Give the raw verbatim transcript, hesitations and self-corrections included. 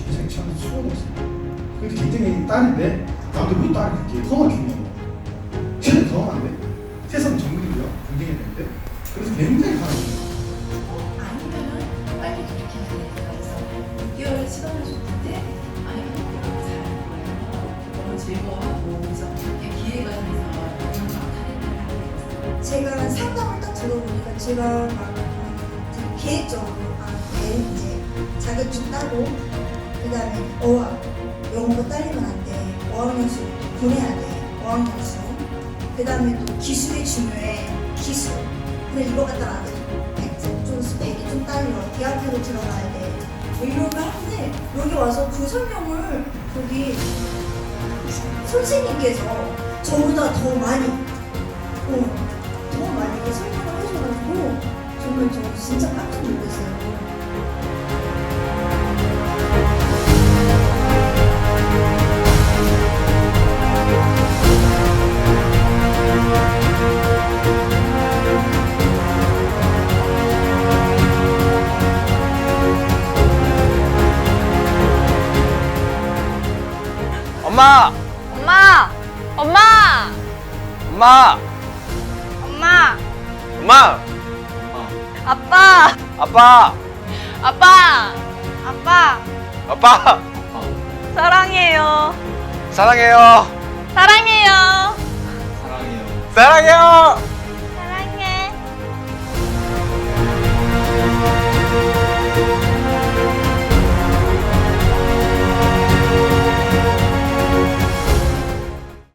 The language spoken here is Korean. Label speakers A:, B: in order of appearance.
A: 인생에 참 수고했어요. 근데 굉장히 딸인데 나한테 왜 딸이 그렇게 더만 중요하고 쟤는 더하면 안 돼? 세상은 정글이고요. 경쟁해야 되는데 그래서 굉장히 화나요.
B: 아니면은 빨리 이렇게 해서 육 개월 시간을 줬는데 아이가 너무 잘하는 거예요. 너무 즐거워하고 그래서 기회가 돼서 정말 다른 일을 하게 됐어요.
C: 제가 상담을 딱 들어보니까 제가 막 되게 계획적으로 아, 얘는 이제 자격증 따고 그 다음에 어학 영어가 딸리면 안 돼. 어학연수 보내야 돼. 어학연수 그 다음에 또 기술이 중요해. 기술 근데 이거 갖다가 안 돼. 좀 스펙이 좀 딸려. 대학교로 들어가야 돼. 뭐 이러고 하는데 여기 와서 그 설명을 거기 선생님께서 저보다 더 많이 어, 더 많이 설명을 해줘가지고 정말 저 진짜 깜짝 놀랐어요.
D: 엄마!
E: 엄마! 엄마!
D: 엄마!
E: 엄마!
D: 엄마!
E: 아빠!
D: 아빠!
E: 아빠! 아빠!
D: 아빠!
E: 사랑해요.
D: 사랑해요!
E: 사랑해요.
D: 사랑해요!